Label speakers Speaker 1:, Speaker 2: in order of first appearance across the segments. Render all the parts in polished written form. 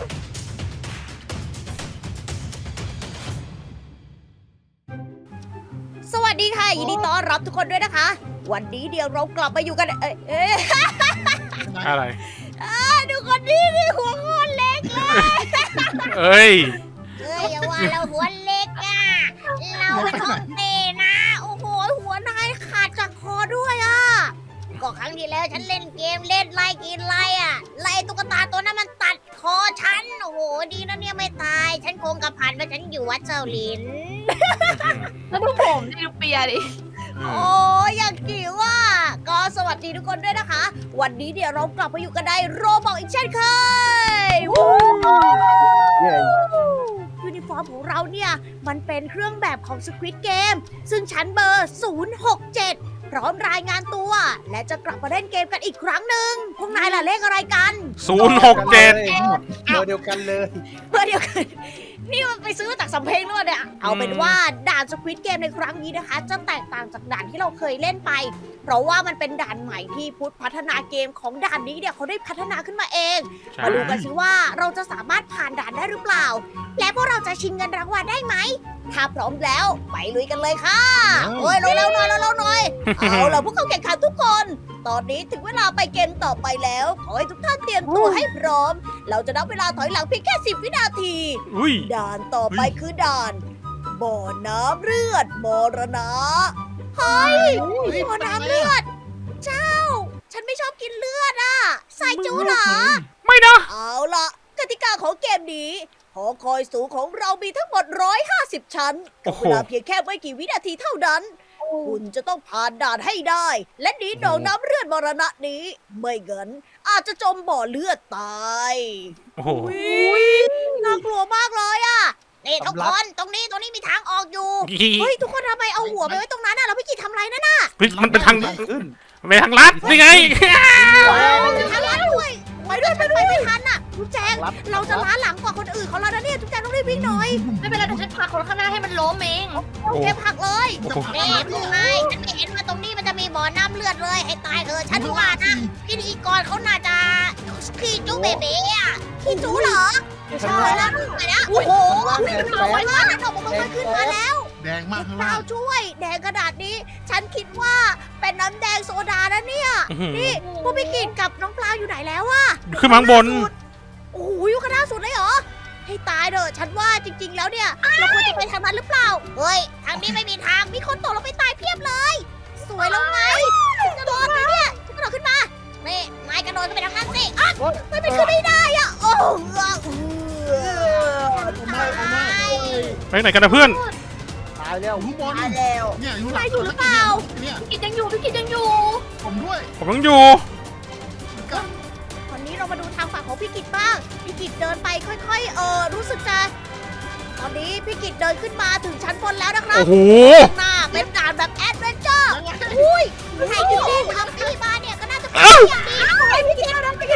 Speaker 1: สวัสดีค่ะยินดีต้อนรับทุกคนด้วยนะคะ วันนี้เดี๋ยวเรากลับมาอยู่กัน
Speaker 2: อะไร
Speaker 1: ดูคนนี้นี่หัวโคตรเล็กเลย
Speaker 2: เอ้ย
Speaker 1: อย่าว่าเราหัวเล็กอ่ะเราเป็นท้องเตนะโอ้โหหัวนายขาดจากคอด้วยอ่ะก็ครั้งที่แล้วฉันเล่นเกมเล่นไล่กินไล่อ่ะไล่ตุ๊กตาตัวนั้นมันตัดคอฉันโอ้โหดีนะเนี่ยไม่ตายฉันคงกระพันว่าฉันอยู่วัดเจ้าหลิน
Speaker 3: แล้วดูผมดิดูเปียดิ
Speaker 1: โอ้ยอยากกิวอ่ะก็สวัสดีทุกคนด้วยนะคะ วันนี้เดี๋ยวเรากลับมาอยู่กันในโรบอกอีกเช่นเคยยูนิฟอร์มของเราเนี่ยมันเป็นเครื่องแบบของ Squid Game ซึ่งชั้นเบอร์ 067 พร้อมรายงานตัว และจะกลับมาเล่นเกมกันอีกครั้งหนึ่งพวกนายล่ะเลขอะไรกัน
Speaker 2: 067
Speaker 4: เบอร์เดียวกันเลย
Speaker 1: เพื่อเดียวกันนี่มันไปซื้อมาจากสำเพ็งหรือเปล่าเนี่ยเอาเป็นว่าด่าน Squid Game ในครั้งนี้นะคะ จะแตกต่างจากด่านที่เราเคยเล่นไป เพราะว่ามันเป็นด่านใหม่ที่พุทธพัฒนาเกมของด่านนี้เนี่ยเขาได้พัฒนาขึ้นมาเอง มาดูกันสิว่าเราจะสามารถผ่านด่านได้หรือเปล่า และพวกเราจะชิงเงินรางวัลได้ไหม ถ้าพร้อมแล้วไปลุยกันเลยค่ะโอ้ยเร็วๆหน่อยเร็วๆหน่อยเอาล่ะพวกเขาแข่งขันทุกคน ตอนนี้ถึงเวลาไปเกมต่อไปแล้วขอให้ทุกท่านเตรียมตัวให้พร้อม เราจะนับเวลาถอยหลังเพียงแค่10 วินาที
Speaker 2: อุ้ย
Speaker 1: ด่านต่อไปคือด่าน บ่อน้ำเลือดมรณะเฮ้ยบ่อน้ำเลือด เจ้า ฉันไม่ชอบกินเลือดอ่ะใส่จูเหรอ
Speaker 2: ไม่นะ
Speaker 1: เอาล่ะกติกาของเกมนี้หอคอยสูงของเรามีทั้งหมด150 ชั้น
Speaker 2: โอ้
Speaker 1: กับ
Speaker 2: โห
Speaker 1: เวลาเพียงแค่ไม่กี่วินาทีเท่านั้น คุณจะต้องผ่านด่านให้ได้ และหนีหนองน้ำเลือดมรณะนี้ ไม่งั้นอาจจะจมบ่อเลือดตาย
Speaker 2: โอ้โห
Speaker 1: อุ๊ยน่ากลัวมากเลยอ่ะนี่ทุกคนตรงนี้มีทางออกอยู่ เฮ้ยทุกคนทำไมเอาหัวไปไว้ตรงนั้นน่ะเราไม่กี่ทำอะไรนั่นน่ะ
Speaker 2: เฮ้ยมันเป็นทาง
Speaker 4: ขึ้น
Speaker 2: เป็นทางลัดนี่ไง
Speaker 1: มันจะทำอะไรด้วยไปด้วยไปไม่ทันน่ะทุกแจงเราจะล้าหลังกว่าคนอื่นเขาแล้วนะเนี่ยทุกแจงต้องรีบวิ่งหน่อย
Speaker 3: ไม่เป็นไรเดี๋ยวฉันพาคนข้างหน้าให้มันล้มเอง
Speaker 2: โอ้
Speaker 1: เก็บผักเลย
Speaker 2: โอ้โห
Speaker 1: นี่พวกนายฉันไม่เห็นว่าตรงนี้มันจะมีบ่อน้ำเลือดเลยให้ตายเถอะฉันว่านะพิธีกรเขาน่าจะขี้จุ๊เบเบ้อะขี้จุ๊เหรอใช่แล้วไปแล้วโอ้โหเอาไว้ว่านั่นออกมาขึ้นมาแล้ว
Speaker 5: แดงมากข้าง
Speaker 1: เปล่า
Speaker 5: ล่าง
Speaker 1: ช่วยแดงขนาดนี้ ฉันคิดว่าเป็นน้ำแดงโซดานะเนี่ย นี่พวกพี่กินกับน้องปลาอยู่ไหนแล้วอะ
Speaker 2: ขึ้นมาข้างบน
Speaker 1: โอ้โหอยู่ข้างหน้าสุดเลยเหรอ ให้ตายเถอะฉันว่าจริง ๆ แล้วเนี่ย เราควรจะไปทางนั้นหรือเปล่า เฮ้ย ทางนี้ไม่มีทาง มีคนตกลงไปตายเพียบเลย สวยแล้วไงกระโดดเลยเนี่ยฉันกระโดดขึ้นมา นี่นายกระโดดขึ้นไปทางนั้นสิอ่ะไม่ไปขึ้นไม่ได้อะโอ้โหตาย
Speaker 2: ไปไหนกันนะเพื่อน
Speaker 4: ตายแล้ว
Speaker 5: อยู่ข้างบน
Speaker 1: ตายแล้ว
Speaker 5: เนี่ยอยู่
Speaker 1: นายอยู่หรือเปล่า
Speaker 5: เนี่ย
Speaker 3: พี่กิจยังอยู่พี่กิจยังอยู่
Speaker 5: ผมด้วย
Speaker 2: ผมต้องอยู่
Speaker 1: วันนี้เรามาดูทางฝั่งของพี่กิจบ้าง พี่กิจเดินไปค่อยๆ รู้สึกจะ ตอนนี้พี่กิจเดินขึ้นมาถึงชั้นบนแล้วนะครับ
Speaker 2: โอ้โห
Speaker 1: ข้างหน้าเป็นด่านแบบแอดเวนเจอร์อุ้ยใครที่เล่นทำที่มาเนี่ยก็น่าจะเป็นอย่างดีไอพี่กิจนะพี่กิจ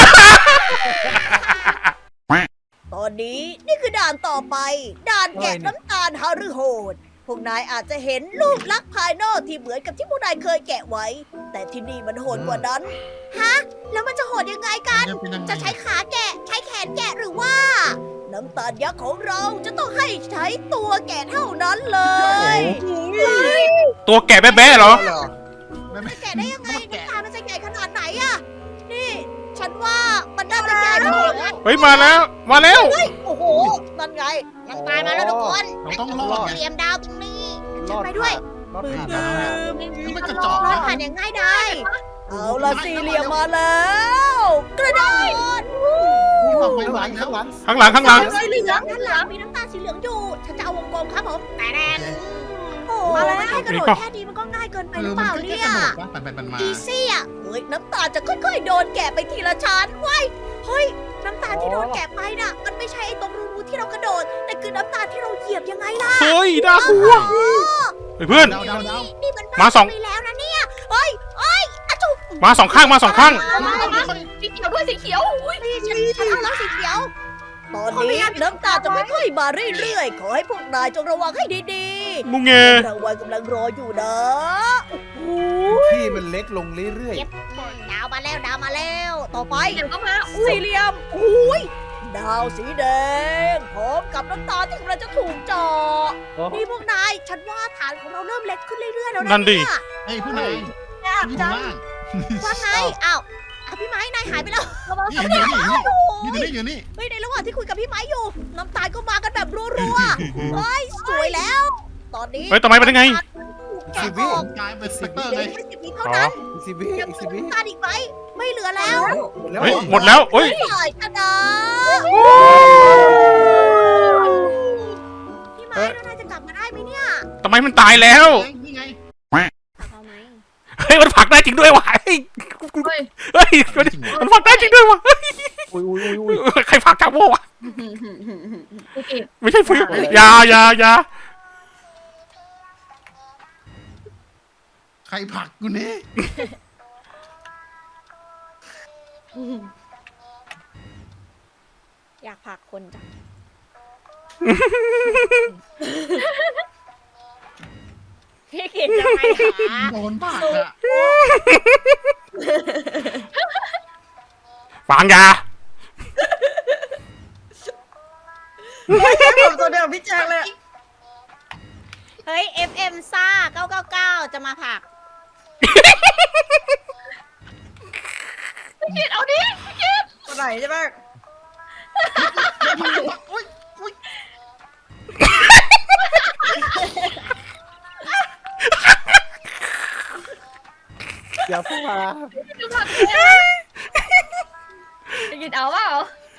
Speaker 1: ตอนนี้นี่คือด่านต่อไป ด่านแกะน้ำตาลฮารุโหด พวกนายอาจจะเห็นรูปลักษณ์ภายนอกที่เหมือนกับที่พวกนายเคยแกะไว้ แต่ที่นี่มันโหดกว่านั้น ฮะ แล้วมันจะโหดยังไงกัน จะใช้ขาแกะ ใช้แขนแกะหรือว่า น้ำตาลยักษ์ของเราจะต้องให้ใช้ตัวแกะเท่านั้นเลย
Speaker 2: ตัวแก่แบ๊ะๆเหรอ
Speaker 1: จะแกะได้ยังไงน้ำตาลมันจะใหญ่ขนาดไหนอะนี่ ฉันว่ามันน่าจะใหญ่พอนะ
Speaker 2: เฮ้ยมาแล้ว มาแล้ว
Speaker 1: เฮ้ยโอ้โหนั่นไงน้ำตาลมาแล้วทุกคน
Speaker 5: เราต้องรอด
Speaker 1: เหลี่ยมดาวตรงนี้ฉันไปด้วย
Speaker 4: รอด
Speaker 1: ปืน
Speaker 4: ผ่าน
Speaker 1: ปื
Speaker 4: แล้ว
Speaker 1: น
Speaker 5: นี่มันกระจอก
Speaker 1: รอด
Speaker 5: นะ
Speaker 1: ผ่านอย่างง่ายได้เอาละสี่เหลี่ยมมาแล้ว กระโดด
Speaker 5: นี่บอกไป
Speaker 4: ข้างห
Speaker 5: ไหว
Speaker 4: ลัง
Speaker 5: แล้ว
Speaker 4: ข้างหลัง
Speaker 2: ข้างหลังข้างหลัง
Speaker 1: สีเหลืองด้านหลังมีน้ำตาลสีเหลืองอยู่ ฉันจะเอาวงกลมครับผมแต่แดงโอ้โหแค่กระโดดแค่นี้มันก็ง่ายเกินไปหรือเปล่า
Speaker 5: มัน
Speaker 1: เนี่
Speaker 5: แค่
Speaker 1: ย
Speaker 5: กระโดดว่าปั่นมา
Speaker 1: อีซี่อ่ะเฮ้ยน้ำตาลจะค่อยๆโดนแกะไปทีละชั้นเว้ยเฮ้ยน้ำตาลที่โดนแกะไปน่ะ มันไม่ใช่ไอ้ตรงรูที่เรากระโดด แต่คือน้ำตาลที่เราเหยียบยังไงล่ะ
Speaker 2: เฮ้ยน่ากลัว
Speaker 1: โอ้
Speaker 2: เฮ้ยเพื่อน
Speaker 5: เดา
Speaker 1: นี่มัน
Speaker 2: มาสอง
Speaker 1: ไปแล้วนะเนี่ยเฮ้ยเฮ้ยอะจุ๊บ
Speaker 2: มาสองข้างมาสองข้าง
Speaker 3: สีเขียวด้วยสีเขียวอุ้ย
Speaker 1: นี่ฉันเอาแล้วสีเขียว ตอนนี้น้ำตาลจะค่อยๆมาเรื่อยๆ ขอให้พวกนายจงระวังให้ดีๆ
Speaker 2: มุงเง
Speaker 1: รางวัลกำลังรออยู่นะ
Speaker 4: ที่มันเล็กลงเรื่อย
Speaker 1: ดาวมาแล้วดาวมาแล้ว ต่อไป
Speaker 3: เดี๋ยวก็มา
Speaker 1: สี่เหลี่ยมอุ้ยดฮาวสีแดงพร้อมกับน้ำตาที่กำลังจะถูกเจาะนี่พวกนาย ฉันว่าฐานของเราเริ่มเล็กขึ้นเรื่อยๆแล้ว
Speaker 2: นั่
Speaker 1: นะ
Speaker 2: นดิ
Speaker 1: เนี่ย
Speaker 5: เฮ้ยผู้นาย
Speaker 1: ยาก
Speaker 5: อยู่
Speaker 1: จัง
Speaker 5: ล่าง
Speaker 1: ว่าไงอ้าวพี่ไม้นายหายไปแล้ว
Speaker 5: นี่อยู่นี่
Speaker 1: โอ้
Speaker 5: อยู่
Speaker 1: ย
Speaker 5: นี่อยู่นี่
Speaker 1: เฮ้ยในระหว่างที่คุยกับพี่ไม้อยู่ น้ำตาลก็มากันแบบรัวๆเฮ้ยสวยแล้ว ตอนนี้
Speaker 2: เฮ้ยทำไมเป็นยังไง
Speaker 1: แกะออก
Speaker 5: กลายเป็นสเปกเตอร์
Speaker 1: เหลื
Speaker 5: เล
Speaker 1: อย แค่10 วิเท่านั้น
Speaker 4: อีกสิบวิ
Speaker 1: ยัง
Speaker 4: อีก
Speaker 1: เห
Speaker 4: สิบ
Speaker 1: ลื
Speaker 4: วิ
Speaker 1: อน้ำตาลอีกไหมไม่เหลือแล้ว
Speaker 2: เฮ้ยหมดแล้วเฮ้ย
Speaker 1: ไม่ไหวชนะพี่ไม้แล้วนายจะกลับมาได้ไหมเนี่ย
Speaker 2: ทำไมมันตายแล้ว
Speaker 5: นี่ไง
Speaker 1: เอาไหม
Speaker 2: เฮ้ยมันผลักได้จริงด้วยว่ะเฮ้ย
Speaker 3: เฮ้ย
Speaker 2: เฮ้ยมันผลักได้จริงด้วยว่ะ
Speaker 4: อุ้ยอุ้ยอุ้ยอุ้ย
Speaker 2: ใครผลักจากโม่วะ
Speaker 3: โอเค
Speaker 2: ไม่ใช่ฟิวอย่า
Speaker 5: ใครผลักกูนี่
Speaker 1: อยากผลักคนจังพี่กินทำไมคะ
Speaker 5: โดนผลักอะ
Speaker 2: ฟังยา
Speaker 6: ผมตัวเดียวพี่แจ็คเลย
Speaker 1: เฮ้ย FM ซ่า999 จะมาผลัก
Speaker 3: พี่กิตเอาดิพี่กิต
Speaker 6: ตัวไหนใช่ไหม
Speaker 5: อุ้ยอุ้ย
Speaker 4: อย่าพูดมา
Speaker 3: ดูผักเลยพี่กิตเอาเปล่า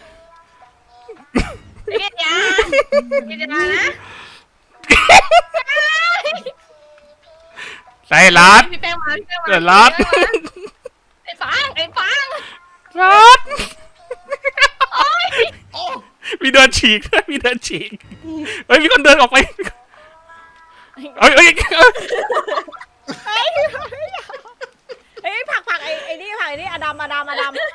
Speaker 3: พี่กิตอย่าพี่กิตอย่านะ
Speaker 2: ใส่รัด
Speaker 3: พี่แป้งมาพี่แป้งมา
Speaker 2: เดือดร้อน
Speaker 3: ไอ้ฟังไอ้ฟัง
Speaker 2: รัด
Speaker 5: โอ้
Speaker 2: มีเดินฉีกด้วยมีเดินฉีกเฮ้ยมีคนเดินออกไปเฮ้ย
Speaker 1: เฮ้ยผลักไอ้นี่ผลักไอ้นี่อดัมผลักอดัม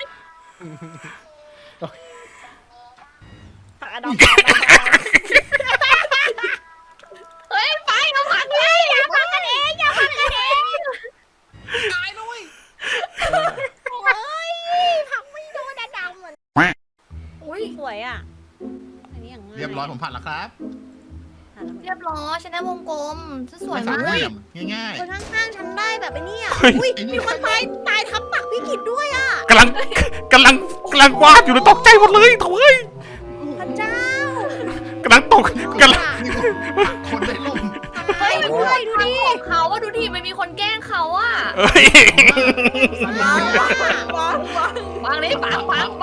Speaker 3: เฮ้ยไฟเอาผักเลย
Speaker 1: อย่าผลักกันเองอย่าผลักกันเอง
Speaker 5: ตายด้วย
Speaker 1: โอ้ยผลักไม่โดนอดัมเหมือน
Speaker 3: อุ้ย
Speaker 1: สวยอ่ะอันนี้อย่างง่าย
Speaker 5: เรียบร้อยผมผ่านแล้วครับ
Speaker 3: เรียบร้อยฉันได้วงกลมฉันสวย
Speaker 5: สาม
Speaker 3: มาก
Speaker 5: เหลี่ยมง่าย
Speaker 1: คนข้างๆฉันได้แบบไอ้นี่อ่ะอุ้ยมีคนตายทับปักพี่กิจด้วยอ่ะ
Speaker 2: กำลังวาดอยู่เลยตกใจหมดเลยโถ่เฮ้ย
Speaker 1: พระเจ้าก
Speaker 2: ำลังตกกำลัง
Speaker 5: ๆนี่คนได้ล่ม
Speaker 1: เฮ้ยดูดิดูดิ
Speaker 3: ของเขาอะดูดิไม่มีคนแกล้งเขาอะ
Speaker 2: เฮ้ย
Speaker 6: ว้าวว้าว
Speaker 3: วางเลยปัง
Speaker 1: ฟัง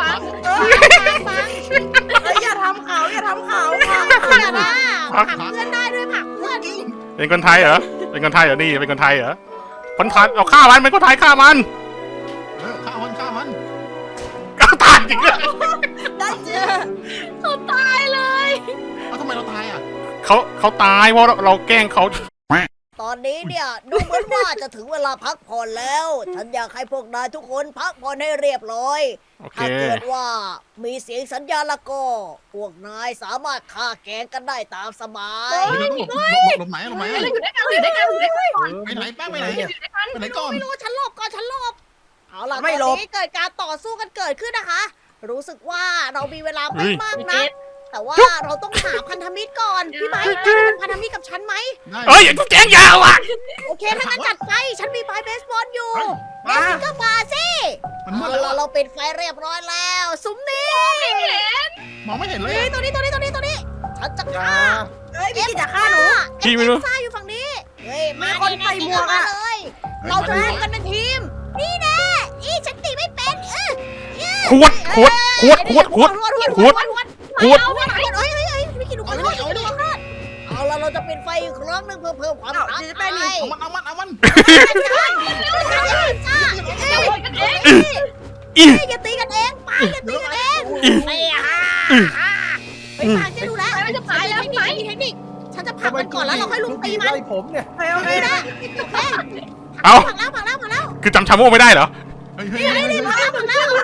Speaker 6: อย่าทำเขาอย่าทำเขา
Speaker 1: เพื่อนนะผลักเพื่อนได้ด้วยผลักเพื่อน
Speaker 2: เป็นคนไทยเหรอเป็นคนไทยเหรอนี่เป็นคนไทยเหรอคนไทยเอาฆ่ามันเป็นคนไทยฆ่ามัน
Speaker 5: ข้าวมันข้าวมัน
Speaker 2: ก็ตายจริงเลย
Speaker 6: ได้เจอ
Speaker 3: เขาตายเลย
Speaker 5: แล้วทำไมเราตายอ่ะ
Speaker 2: เขาตายเพราะเราแกล้งเขา
Speaker 1: ตอนนี้เนี่ยดูเหมือนว่าจะถึงเวลาพักผ่อนแล้ว ฉันอยากให้พวกนายทุกคนพักผ่อนให้เรียบร้อย
Speaker 2: โอเค
Speaker 1: ถ้าเกิดว่ามีเสียงสัญญาณละก็พวกนายสามารถฆ่าแกงกันได้ตามสบาย
Speaker 5: หลบไหนหลบไหน
Speaker 3: อยู่ด้วยกันอยู่ด้วยกันอยู่ด้วยกันก่อน
Speaker 5: ไปไหนแป้งไปไหน
Speaker 3: อยู่ด้วยกัน
Speaker 5: ไปไหนก่อน
Speaker 1: ไม่รู้ฉันหลบก่อนฉันหลบเอาล่ะตอนนี้เกิดการต่อสู้กันเกิดขึ้นนะคะ รู้สึกว่าเรามีเวลาไม่มากนะแต่ว่าเราต้องหาพันธมิตรก่อนพี่ไม้เป็นพันธมิตรกับฉันไหม
Speaker 2: เฮ้ยแจ้งยาวอ่ะ
Speaker 1: โอเคถ้างั้นจัดไปฉันมีไม้เบสบอลอยู่
Speaker 5: มา
Speaker 1: แน่จริงก็มาสิ
Speaker 5: มันมื
Speaker 1: เอา
Speaker 5: ดแล้ว
Speaker 1: ล่ะเราปิดไฟเรียบร้อยแล้วซุ้มนี้
Speaker 5: มองไม่เห็นเลย
Speaker 1: นี่ตัวนี้ฉันจะ
Speaker 4: อย่า
Speaker 1: ฆ่า
Speaker 6: เฮ้ยพี่กิจจะฆ่าหนู
Speaker 2: พี่ไม่รู้
Speaker 1: ซ่าอยู่ฝั่งนี้เฮ้ย
Speaker 6: มีคนใส่หมวกอะ
Speaker 1: เลย เราจะร่วมกันเป็นทีม นี่แน่อีฉันตีไม่เป็น
Speaker 2: ขวดเฮ้ยเฮ้ย
Speaker 1: ไม่กินลูกกระโดดเอาล่ะเราจะเป็นไฟอีกครั้งหนึ่งเพื่อเพิ่มความท้าทาย
Speaker 5: เอามัน
Speaker 1: อย่าตีกันเองไปอย่าตีกันเองไม่ไปทางจะดูแลมีเทคนิคฉันจะผลักมันก่อนแล้วเราค่อยลุมตีมัน
Speaker 4: ไล่ผมเนี่ย
Speaker 6: โอเค
Speaker 1: นะโอเค
Speaker 2: เอา
Speaker 1: ผลักแล้ว
Speaker 2: คือจำชาโม่ไม่ได้เหรอ
Speaker 5: เฮ้ยเฮ้ย
Speaker 1: นี่ผลักแล้ว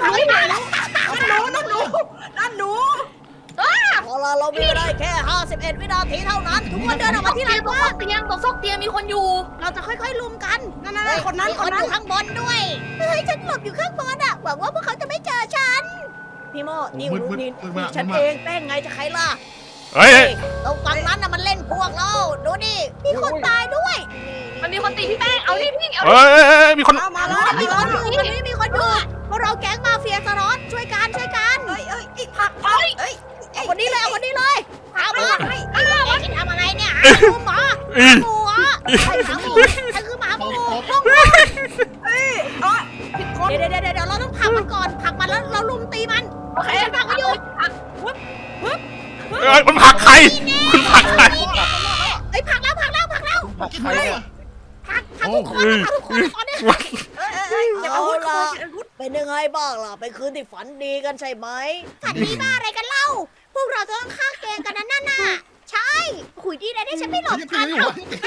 Speaker 6: นั่นหนู
Speaker 1: พอเรามีได้แค่51 วินาทีเท่านั้นทุกคนเดินออกมาที่ลานกว้าง
Speaker 3: เตียงตรงซอกเตียงมีคนอยู่
Speaker 1: เราจะค่อยๆลุมกัน
Speaker 6: นั่นคนนั้น
Speaker 1: มีคนอยู่ข้างบนด้วยเฮ้ยฉันหลบอยู่ข้างบนอ่ะหวังว่าพวกเขาจะไม่เจอฉันพี่โมนี่
Speaker 5: มืด
Speaker 1: นี่
Speaker 5: มืด
Speaker 1: ฉัน
Speaker 5: มืด
Speaker 1: เองแป้งไงจะใครล่ะ
Speaker 2: เฮ้ย
Speaker 1: ตรงฝั่งนั้นน่ะมันเล่นพวกเราดูดิมีคนตายด้วย
Speaker 3: มันมีคนตีพี่แป้งเอาดิพี่เอา
Speaker 2: เฮ้ยมีคน
Speaker 6: เอามาแล้ว
Speaker 1: มีคนอยู่ตรงนี้มีคนอยู่พวกเราแก๊งมาเฟียสล็อตช่วยกัน
Speaker 6: เอ้ยอีกผักเอ้ย
Speaker 1: เอาคนนี้เลยเอาคนนี้เลยเอามาไอ้กินทำอะไรเนี่ยหมา
Speaker 2: อี
Speaker 1: หมูเหรอไอ้หมาหมูฉันคือหมาหมู
Speaker 6: ผิดคน
Speaker 1: เดี๋ยวเราต้องผลักมันก่อนผลักมันแล้วเราลุมตีมัน
Speaker 3: โอเค
Speaker 1: ฉันผลักมันอยู่
Speaker 2: เอ้ยมันผลักใครคุณผลักใคร
Speaker 1: ไอ้ยผลักแล้ว
Speaker 5: กินใครอ่ะ
Speaker 1: ผลักทุกคนผลักทุกคนตอนนี้
Speaker 6: อย่าเอาวุธ
Speaker 1: เป็นยังไงบ้างล่ะเป็นคืนที่ฝันดีกันใช่ไหมฝันดีบ้าอะไรกันเล่า พวกเราจะต้องฆ่าแกงกันนั่นน่ะใช่ขุยดีนะที่ฉันไม่หลบ
Speaker 5: ยัง
Speaker 1: ทัน
Speaker 5: อยู่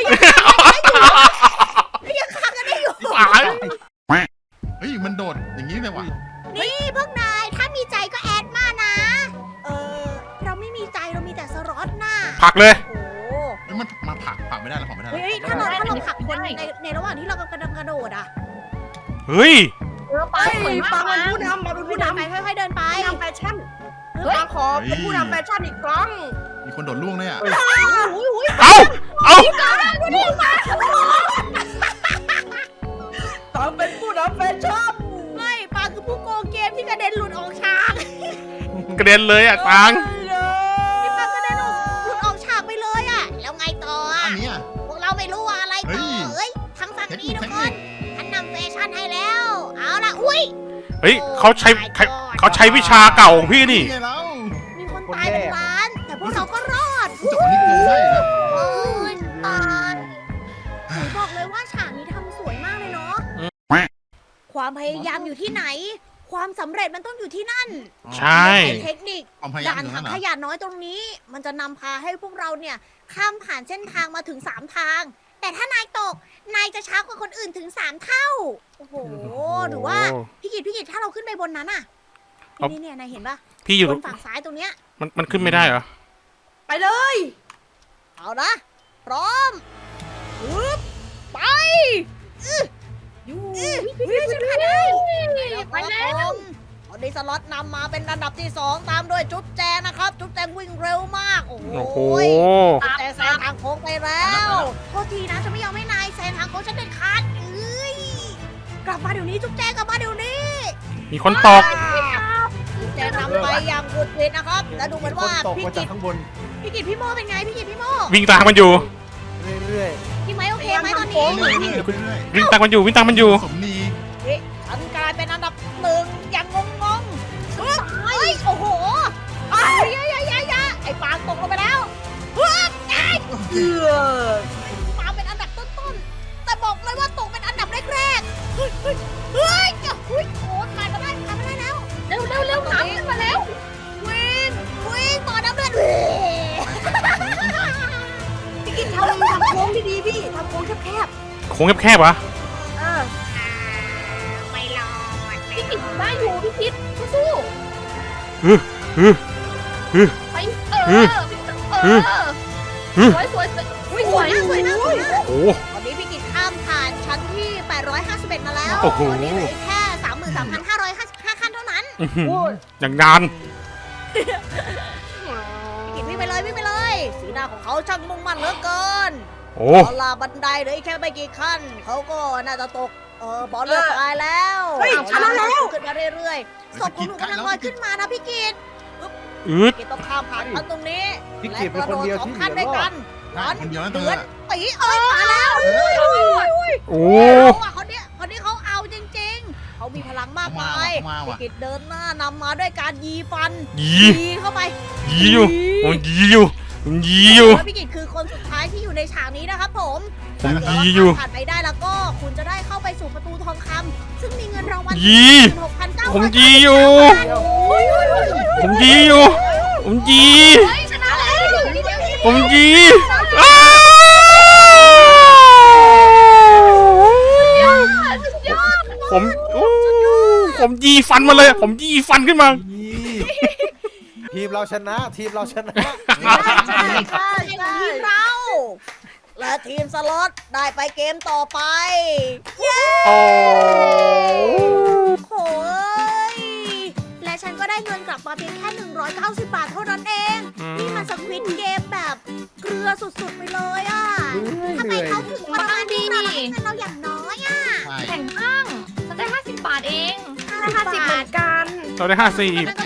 Speaker 1: ยังฆ่ากันได้อยู่
Speaker 2: ตาย
Speaker 5: เฮ้ยมันโดดอย่างนี้เลยว่ะ
Speaker 1: นี่พวกนายถ้ามีใจก็แอดมานะ เราไม่มีใจเรามีแต่สล็อตน่ะ
Speaker 2: ผลักเลย
Speaker 1: โอ้โห
Speaker 5: เฮ้ยมันมาผลักไม่ได้แล้วผลักไม่ได้แล้ว
Speaker 1: เฮ้ยถ้าเราผลักคนในระหว่างที่เรากำลังกระโดดอ่ะ
Speaker 2: เฮ้ย
Speaker 3: ปลาสวย
Speaker 6: ปาม
Speaker 3: าก
Speaker 6: เป็น
Speaker 3: นะ
Speaker 6: ผู้นำมาเป็นผู้
Speaker 1: เดิน
Speaker 6: นำ
Speaker 1: ไปค่อยๆเดินไป
Speaker 6: ผู้นำแฟชั่นปาขอเป็นผู้นำแฟชั่นอีกครั้ง
Speaker 5: มีคนโดดล่วงเลยอ่ะ
Speaker 2: เอา
Speaker 6: ตามเป็นผู้นำแฟชั่น
Speaker 1: ไม่ปาคือผู้โกงเกมที่กระเด็นหลุดออกฉาก
Speaker 2: กระเด็นเลยอ่ะตัง
Speaker 1: พี่ปากระเด็นหลุดออกฉากไปเลยอ่ะ แล้วไงต่ออ่ะ
Speaker 5: อันนี้อ่ะ
Speaker 1: พวกเราไม่รู้ว่าอะไรต่อ
Speaker 5: เฮ้ย
Speaker 1: เอ้ยทางฝั่งนี้ทุก
Speaker 5: เทค
Speaker 1: ค
Speaker 5: นิ
Speaker 1: น
Speaker 5: ค
Speaker 1: ฉันนำแฟชั่นให้แล้ว เอาล่ะ อุ้ย
Speaker 2: เฮ้ยเขาใช้วิชาเก่าของพี่นี่
Speaker 5: ไงแล้ว
Speaker 1: มีคนตายเป็นล้าน แต่พวกเราก็รอด
Speaker 5: จับคนนี้โกงได้นะ
Speaker 1: โอ้ยตายหนูบอกเลยว่าฉากนี้ทำสวยมากเลยเนาะ ความพยายามอยู่ที่ไหน ความสำเร็จมันต้องอยู่ที่นั่น
Speaker 2: ใช่
Speaker 1: เทคนิค
Speaker 5: ความพยายาม
Speaker 1: ด่าน
Speaker 5: อยู่
Speaker 1: ถั
Speaker 5: นั่
Speaker 1: ง
Speaker 5: นเหร
Speaker 1: ข
Speaker 5: อย
Speaker 1: ะน้อยตรงนี้ มันจะนำพาให้พวกเราเนี่ย ข้ามผ่านเส้นทางมาถึง 3 ทาง แต่ถ้านายตก นายจะช้ากว่าคนอื่นถึง 3 เท่า โอ้โห หรือว่า พี่กิตถ้าเราขึ้นไปบนนั้นอะ
Speaker 2: เอา
Speaker 1: นี่เนี่ยนายเห็นปะ
Speaker 2: พี่อยู่
Speaker 1: บนฝั่งซ้ายตรงเนี้ย
Speaker 2: มันขึ้นไม่ได้เหรอ
Speaker 6: ไปเลย
Speaker 1: เอานะ พร้อมฮึบไปพี่ฉันผ่านได้
Speaker 3: ไปแล้ว
Speaker 1: ตอนนี้สล็อตนำมาเป็นอันดับที่ 2 ตามด้วยจุ๊บแจงนะครับ จุ๊บแจงวิ่งเร็วมาก โอ้โห
Speaker 2: โอ้โห
Speaker 1: แต่แซงทางโค้งไปแล้วโทษทีนะฉันไม่ยอมให้นายแซงทางโค้งฉันเด็ดขาดเอ้ยกลับมาเดี๋ยวนี้จุ๊บแจงกลับมาเดี๋ยวนี้
Speaker 2: มีคนตก
Speaker 1: จุ๊บแจงนำไปอย่างกุดวิดนะครับ แล้วดูเหมือนว่า
Speaker 4: ตก
Speaker 1: พี่
Speaker 4: มา
Speaker 1: กิ
Speaker 4: จาก
Speaker 1: ต
Speaker 4: ข้างบน
Speaker 1: พี่โมเป็นไงพี่กิตพี่โม
Speaker 2: วิ่งตามมันอยู่
Speaker 4: เรื่อย
Speaker 1: พี่ไม้โอเคไหมตอนนี้
Speaker 5: เรื่อยๆเรื่อย
Speaker 2: วิ่งตามมันอยู่ วิ่งตามมันอยู่
Speaker 5: ๆสมนี
Speaker 1: ฉันกลายเป็นอันดับ1อย่างงงๆเฮ้ยโอ้โหยาไอ้ปางตกลงไปแล้ว
Speaker 6: เอือ
Speaker 1: ปางเป็นอันดับต้นๆแต่บอกเลยว่าตกเป็นอันดับแรกๆเฮ้ยโอ้ผ่านมาได้แล้ว
Speaker 3: เร็วน้ำขึ้นมาแล้ว
Speaker 1: วิ่งต่อน้ำเลือด
Speaker 6: พี่กินทำโค้งดีๆพี่ทำโค้งแคบ
Speaker 2: โค้งแคบๆวะ
Speaker 1: ไม่รอด
Speaker 3: พี่กิตได้อยู่พี่คิดสู้ ไปสวยนะ
Speaker 2: โอ้
Speaker 1: ตอนนี้พี่กิจข้ามผ่านชั้นที่ 851 มาแล้ว
Speaker 2: โอ้โห
Speaker 1: ตอนนี้เหลืออีกแค่ 33,555 ขั้นเท่านั้น
Speaker 2: อื้อหืออย่างนาน
Speaker 1: พี่กิจวิ่งไปเลย สีหน้าของเขาช่างมุ่งมั่นเหลือเกิน
Speaker 2: โอ้
Speaker 1: เอาล่ะบันไดเหลืออีกแค่ไม่กี่ขั้น เขาก็น่าจะตก บอลเลือดตายแล้วขึ้นมาเรื่อยๆศพของหนูกำลังลอยขึ้นมานะพี่กิจ
Speaker 2: อืด
Speaker 1: กิจต้องข้ามผ่านขั้นตรงนี้
Speaker 4: ๆพี่
Speaker 1: และ
Speaker 4: กิจเป็น
Speaker 1: กระ
Speaker 4: คน
Speaker 1: โดด
Speaker 4: เดียว
Speaker 1: สอง
Speaker 4: ที่
Speaker 1: ขั้น
Speaker 4: เหลื
Speaker 1: ด้วย
Speaker 4: อรอ
Speaker 1: กั
Speaker 4: ด
Speaker 1: น
Speaker 5: คนเดียวนั่นเธ
Speaker 1: เดื
Speaker 5: อ
Speaker 1: อดตีมาแล้ว
Speaker 2: โอ้
Speaker 1: คนนี้เขาเอาจริงๆ เขามีพลังมากมาย
Speaker 5: มา
Speaker 1: พี่
Speaker 5: ว่ะ
Speaker 1: กิจเดินหน้านำมาด้วยการยีฟัน
Speaker 2: ยี
Speaker 1: เข้าไป
Speaker 2: ยีอยู่ผมยีอยู่ผมยีอยู่
Speaker 1: แล้วพี่กิจคือคนสุดท้ายที่อยู่ในฉากนี้นะครับผม
Speaker 2: ผมยีอยู่
Speaker 1: ถ้าผ่านไปได้แล้วก็คุณจะได้เข้าไปสู่ประตูทองคำซึ่งมีเงินรางวัล
Speaker 2: ยี
Speaker 1: 16,900
Speaker 2: ผมยีอยู่ ผมยีอยู่ ผมยี
Speaker 3: ชนะแล้ว
Speaker 2: ผมยีอ้าว ผมอู้ผมยีฟันมาเลย ผมยีฟันขึ้นมา
Speaker 4: นี่ทีมเราชนะ ทีมเราชนะ
Speaker 1: ใช่ทีมเรา และทีมสล็อตได้ไปเกมต่อไป
Speaker 2: โอ้
Speaker 1: โอ้ยและฉันก็ได้เงินกลับมาเพียงแค่190 บาทเท่านั้นเอง นี่มันสควิดเกมแบบเกลือสุดๆไปเลยอ่ะทำไมเขาถึงมาดีนี่เราอย่างน้อยอ่ะ
Speaker 5: ใช่
Speaker 3: แข่งข้างฉันได้50 บาทเอง
Speaker 6: 50เหมือนกัน
Speaker 2: เราได้50